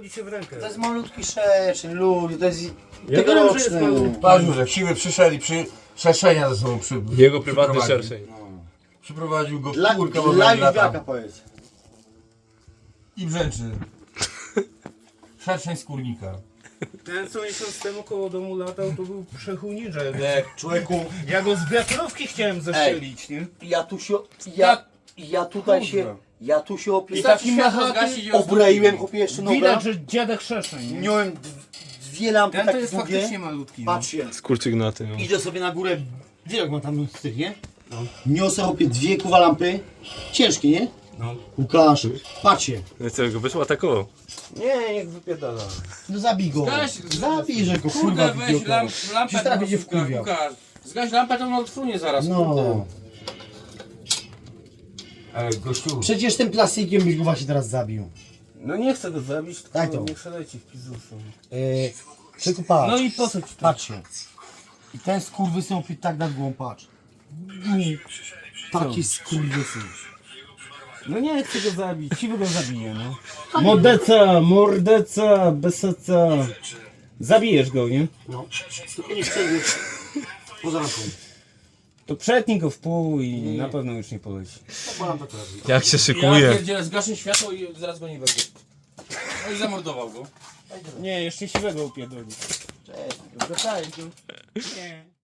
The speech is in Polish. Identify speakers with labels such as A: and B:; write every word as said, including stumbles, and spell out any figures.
A: wchodzi się w rękę.
B: To jest malutki szerszeń, ludzie, to jest
A: Ja wiem, że jest malutki.
C: Patrz, że siwy przyszedł i przy szerszenia ze sobą przy,
D: Jego prywatny
C: przyprowadził.
D: szerszeń.
C: Przyprowadził go w
B: Dla,
C: kurkę, bo
B: dla
C: będzie
B: Liwiaka
C: lata.
B: powiedz.
C: I brzęczy. Szerszeń skórnika.
A: Ten co miesiąc temu koło domu latał, to był przechujnicza.
B: Nie, człowieku,
A: Ja go z wiatrówki chciałem zastrzelić, nie?
B: ja tu się, ja, ja tutaj
A: Kurwa.
B: się, ja tu się
A: I
B: opie...
A: taki machaty,
B: obroiłem, chłopie, jeszcze nogę.
A: widać, że dziadek szerszeń, nie?
B: Miałem d- dwie lampy
A: Ten to
B: takie
A: jest
B: długie.
A: faktycznie malutki. No.
B: Patrzcie,
D: Skurczygnaty, no.
B: idę sobie na górę, wiesz jak ma tam styk, nie? No. Niosę chłopie dwie kuwa lampy, ciężkie, nie?
A: No.
B: Łukasz, patrzcie.
D: No co, go wyszło atakował.
A: Nie, niech wypierdala.
B: No zabij go.
E: Zgaś,
B: Zabij, że go kurwa
E: Kurde, weź
B: idioto.
E: lamp, lampę.
B: Przecież teraz będzie
E: do
B: wkurwiał.
E: Łukasz. Zgaś lampę, to on odfrunie zaraz, kurde.
B: No.
C: Ej, gościu.
B: Przecież tym plastikiem byś go właśnie teraz zabił.
A: No nie chcę go zabić, tylko
B: Daj to.
A: niech się leci w pizzusu.
B: Yy, tylko patrz.
A: No i po co ci to?
B: Patrzcie. I ten skurwysyn opie tak nad głową, patrz. Taki skurwysyn.
A: No nie chcę go zabić, siwy go zabije, no. Mordeca, mordeca, beseca. Zabijesz go, nie?
B: No. Tylko nie chcę już poza ręką.
A: To przetnij go w pół i na pewno już nie poleci.
B: Polam to teraz.
D: Jak się
E: Ja
D: szykuje.
E: pierdzielę, zgaszę światło i zaraz go nie będzie. No i zamordował go.
A: Nie, jeszcze siwego upierdoli.
B: Cześć.
A: Wracaj tu. Nie.